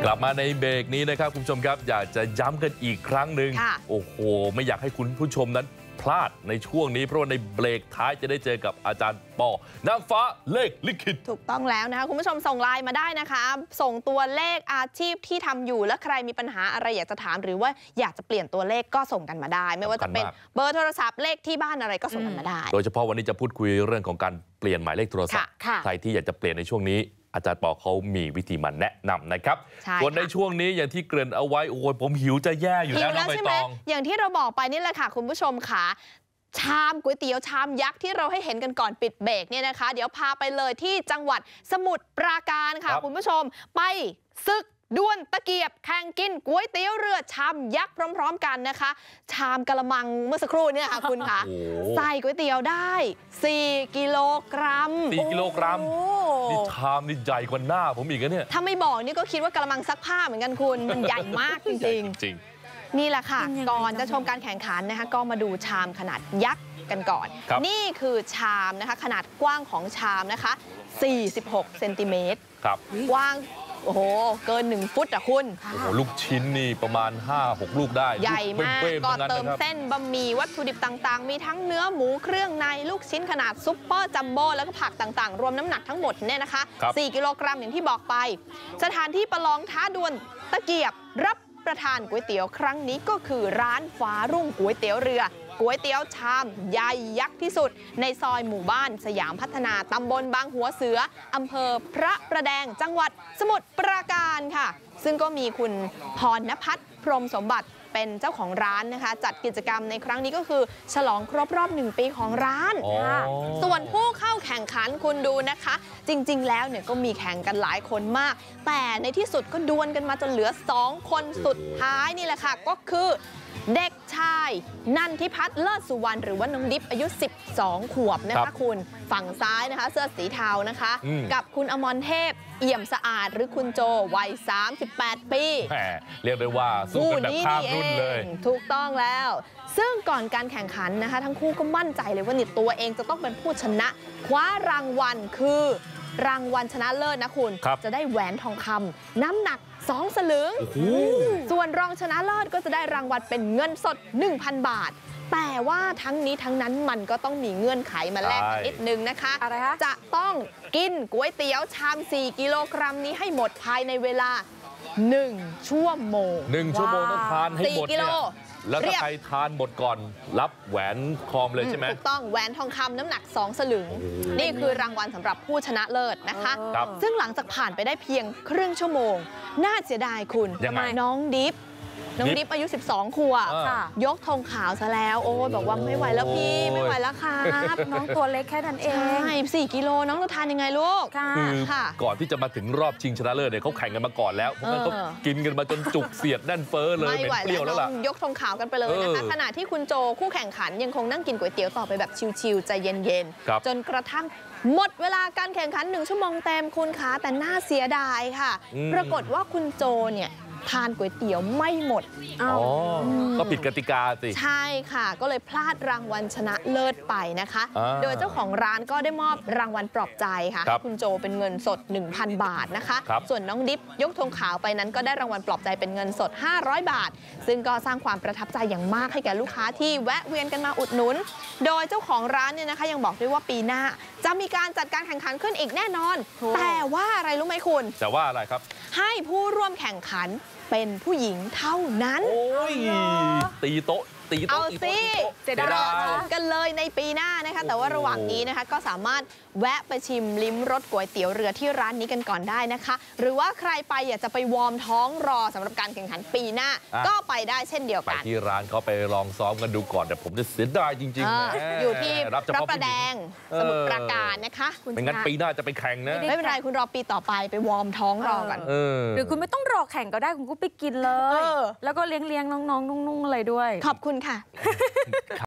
กลับมาในเบรกนี้นะครับคุณผู้ชมครับอยากจะย้ำกันอีกครั้งหนึ่งโอ้โหไม่อยากให้คุณผู้ชมนั้นพลาดในช่วงนี้เพราะว่าในเบรกท้ายจะได้เจอกับอาจารย์ปอนางฟ้าเลขลิขิตถูกต้องแล้วนะคะคุณผู้ชมส่งไลน์มาได้นะคะส่งตัวเลขอาชีพที่ทำอยู่และใครมีปัญหาอะไรอยากจะถามหรือว่าอยากจะเปลี่ยนตัวเลขก็ส่งกันมาได้ไม่ว่าจะเป็นเบอร์โทรศัพท์เลขที่บ้านอะไรก็ส่งกันมาได้โดยเฉพาะวันนี้จะพูดคุยเรื่องของการเปลี่ยนหมายเลขโทรศัพท์ใครที่อยากจะเปลี่ยนในช่วงนี้อาจารย์ปอเขามีวิธีมาแนะนำนะครับส่วนในช่วงนี้อย่างที่เกริ่นเอาไว้โอ้ยผมหิวจะแย่อยู่แล้วน้องใบตองอย่างที่เราบอกไปนี่แหละค่ะคุณผู้ชมค่ะชามก๋วยเตี๋ยวชามยักษ์ที่เราให้เห็นกันก่อนปิดเบรกเนี่ยนะคะเดี๋ยวพาไปเลยที่จังหวัดสมุทรปราการค่ะคุณผู้ชมไปศึกดวลตะเกียบแข่งกินก๋วยเตี๋ยวเรือชามยักษ์พร้อมๆกันนะคะชามกะละมังเมื่อสักครู่เนี่ยค่ะคุณคะใส่ก๋วยเตี๋ยวได้4 กิโลกรัม 4 กิโลกรัมนี่ชามนี่ใหญ่กว่าหน้าผมอีกนะเนี่ยถ้าไม่บอกนี่ก็คิดว่ากะละมังซักผ้าเหมือนกันคุณมันใหญ่มากจริงนี่แหละค่ะก่อนจะชมการแข่งขันนะคะก็มาดูชามขนาดยักษ์กันก่อนนี่คือชามนะคะขนาดกว้างของชามนะคะ46 เซนติเมตรกว้างโอ้โหเกิน1 ฟุตอ่ะคุณโอ้โหลูกชิ้นนี่ประมาณ 5-6 ลูกได้ใหญ่มากก็เติมเส้นบะหมี่วัตถุดิบต่างๆมีทั้งเนื้อหมูเครื่องในลูกชิ้นขนาดซุปเปอร์จัมโบ้แล้วก็ผักต่างๆรวมน้ำหนักทั้งหมดเนี่ยนะคะ4 กิโลกรัมอย่างที่บอกไปสถานที่ประลองท้าดวลตะเกียบรับประทานก๋วยเตี๋ยวครั้งนี้ก็คือร้านฟ้ารุ่งก๋วยเตี๋ยวเรือก๋วยเตี๋ยวชามใหญ่ยักษ์ที่สุดในซอยหมู่บ้านสยามพัฒนาตำบลบางหัวเสืออำเภอพระประแดงจังหวัดสมุทรปราการค่ะซึ่งก็มีคุณพรณภัทรพรหมสมบัติเป็นเจ้าของร้านนะคะจัดกิจกรรมในครั้งนี้ก็คือฉลองครบรอบ1 ปีของร้านส่วนผู้เข้าแข่งขันคุณดูนะคะจริงๆแล้วเนี่ยก็มีแข่งกันหลายคนมากแต่ในที่สุดก็ดวลกันมาจนเหลือ2 คนสุดท้ายนี่แหละค่ะก็คือเด็กชายนันทิพัฒน์เลิศสุวรรณหรือว่าน้องดิฟอายุ12 ขวบนะคะคุณฝั่งซ้ายนะคะเสื้อสีเทานะคะกับคุณอมรเทพเอี่ยมสะอาดหรือคุณโจวัย38 ปีเรียกได้ว่าสู้กันแบบข้ามรุ่นเลยถูกต้องแล้วซึ่งก่อนการแข่งขันนะคะทั้งคู่ก็มั่นใจเลยว่าตัวเองจะต้องเป็นผู้ชนะคว้ารางวัลคือรางวัลชนะเลิศนะคุณจะได้แหวนทองคำน้ำหนัก2 สลึงส่วนรองชนะเลิศก็จะได้รางวัลเป็นเงินสด 1,000 บาทแต่ว่าทั้งนี้ทั้งนั้นมันก็ต้องมีเงื่อนไขมาแลกกันนิดนึงนะคะจะต้องกินก๋วยเตี๋ยวชาม4 กิโลกรัมนี้ให้หมดภายในเวลา1 ชั่วโมง 1 ชั่วโมงต้องทานให้หมดเนี่ยแล้วถ้าใครทานหมดก่อนรับแหวนทองเลยใช่ไหมถูกต้องแหวนทองคำน้ำหนัก2 สลึงนี่คือรางวัลสำหรับผู้ชนะเลิศนะคะซึ่งหลังจากผ่านไปได้เพียงครึ่งชั่วโมงน่าเสียดายคุณน้องดิฟอายุ12 ขวบยกธงขาวซะแล้วโอ้ยบอกว่าไม่ไหวแล้วพี่ไม่ไหวแล้วครับน้องตัวเล็กแค่นั้นเองใช่4 กิโลน้องจะทานยังไงลูกคือก่อนที่จะมาถึงรอบชิงชนะเลิศเนี่ยเขาแข่งกันมาก่อนแล้วเพราะงั้นเขากินกันมาจนจุกเสียดแน่นเฟ้อเลยไม่ไหวแล้วล่ะยกธงขาวกันไปเลยนะคะขณะที่คุณโจคู่แข่งขันยังคงนั่งกินก๋วยเตี๋ยวต่อไปแบบชิลๆใจเย็นๆจนกระทั่งหมดเวลาการแข่งขัน1 ชั่วโมงเต็มคุณคะแต่น่าเสียดายค่ะปรากฏว่าคุณโจเนี่ยทานก๋วยเตี๋ยวไม่หมดก็ผิดกติกาสิใช่ค่ะก็เลยพลาดรางวัลชนะเลิศไปนะคะโดยเจ้าของร้านก็ได้มอบรางวัลปลอบใจค่ะให้คุณโจเป็นเงินสด 1,000 บาทนะคะส่วนน้องดิฟยกธงขาวไปนั้นก็ได้รางวัลปลอบใจเป็นเงินสด500 บาทซึ่งก็สร้างความประทับใจอย่างมากให้แก่ลูกค้าที่แวะเวียนกันมาอุดหนุนโดยเจ้าของร้านเนี่ยนะคะยังบอกด้วยว่าปีหน้าจะมีการจัดการแข่งขันขึ้นอีกแน่นอนแต่ว่าอะไรรู้ไหมคุณแต่ว่าอะไรครับให้ผู้ร่วมแข่งขันเป็นผู้หญิงเท่านั้นโอ้ยตีโต๊ะเอาสิจะได้กันเลยในปีหน้านะคะแต่ว่าระหว่างนี้นะคะก็สามารถแวะไปชิมลิ้มรสก๋วยเตี๋ยวเรือที่ร้านนี้กันก่อนได้นะคะหรือว่าใครไปอยากจะไปวอร์มท้องรอสำหรับการแข่งขันปีหน้าก็ไปได้เช่นเดียวกันไปที่ร้านเขาไปลองซ้อมกันดูก่อนแต่ผมจะเสียดายจริงๆอยู่ที่พระประแดงสมุทรปราการนะคะไม่งั้นปีหน้าจะไปแข่งนะไม่เป็นไรคุณรอปีต่อไปวอร์มท้องรอกันหรือคุณไม่ต้องรอแข่งก็ได้คุณก็ไปกินเลยแล้วก็เลี้ยงน้องๆนุ่งๆอะไรด้วยขอบคุณค่ะ